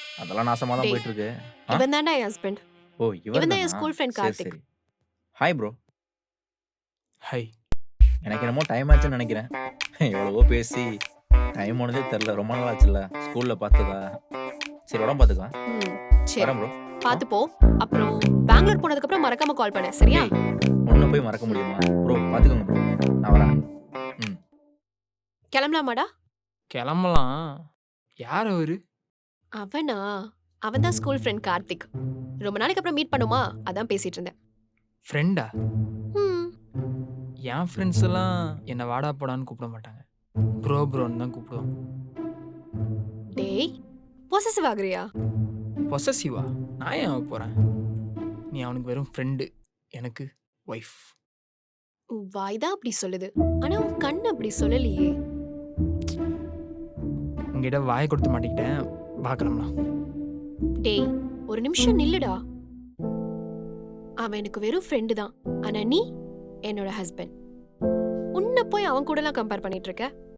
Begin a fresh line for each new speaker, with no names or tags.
அதெல்லாம் நாசமா தான்
டேய்,
போயிட்டு இருக்கு. ஆ?
இவன் தான்டா என் ஹஸ்பண்ட்.
ஓ! இவர்
இவன் தான் என்
தானா?
ஸ்கூல் ஃப்ரெண்ட்
சரி,
கார்த்திக்.
சரி. Hi bro.
ஹை.
எனக்கு என்னமோ டைம் ஆச்சுன்னு நெனைக்கிறேன். எவ்வளவோ பேசி டைம் போனதே தெரியல. ரொம்ப நாள் ஆச்சுல்ல. ஸ்கூல்ல பார்த்ததா. சரி உடம்பு பார்த்துக்கலாம்.
ம். சரி.
வரேன் ப்ரோ.
பாத்து போ. அப்புறம் பெங்களூர் போனதுக்கு அப்புறம் மறக்காம கால் பண்ணு. சரியா?
டேய், உன்ன போய் மறக்க முடியுமா? ப்ரோ பார்த்துக்கோங்க ப்ரோ. நான் வரேன். ம்.
கிளம்பலாமாடா?
கிளம்பலாம். யார் அவரு?
அவனா? அவன் தான் ஸ்கூல் ஃப்ரெண்ட் கார்த்திக். ரொம்ப நாளைக்கு அப்புறம் மீட் பண்ணுமா? அதான் பேசிட்டு இருந்தேன்.
ஃப்ரெண்டா?
ம்.
என் ஃப்ரெண்ட்ஸ் எல்லாம் என்ன வாடா போடான்னு கூப்பிட மாட்டாங்க. ப்ரோன்னு தான் கூப்பிடுவாங்க.
டேய், பொசசிவ் ஆகுறியா?
பொசசிவா? நான் ஏன் ஆகப் போறேன்? நீ அவனுக்கு வெறும் ஃப்ரெண்டு. எனக்கு ஒய்ஃப்.
உன் வாய் தான் அப்படி சொல்லுது. ஆனா உன் கண் அப்படி சொல்லலையே.
உங்ககிட்ட வாயை கொடுத்து மாட்டிக்கிட்டேன். பார்க்கலாம்லாம்.
டேய், ஒரு நிமிஷம் நில்லுடா. அவன் எனக்கு வெறும் ஃப்ரெண்டு தான். ஆனா நீ என்னோட ஹஸ்பண்ட். உன்னை போய் அவன் கூடலாம் கம்பேர் பண்ணிட்டு இருக்க?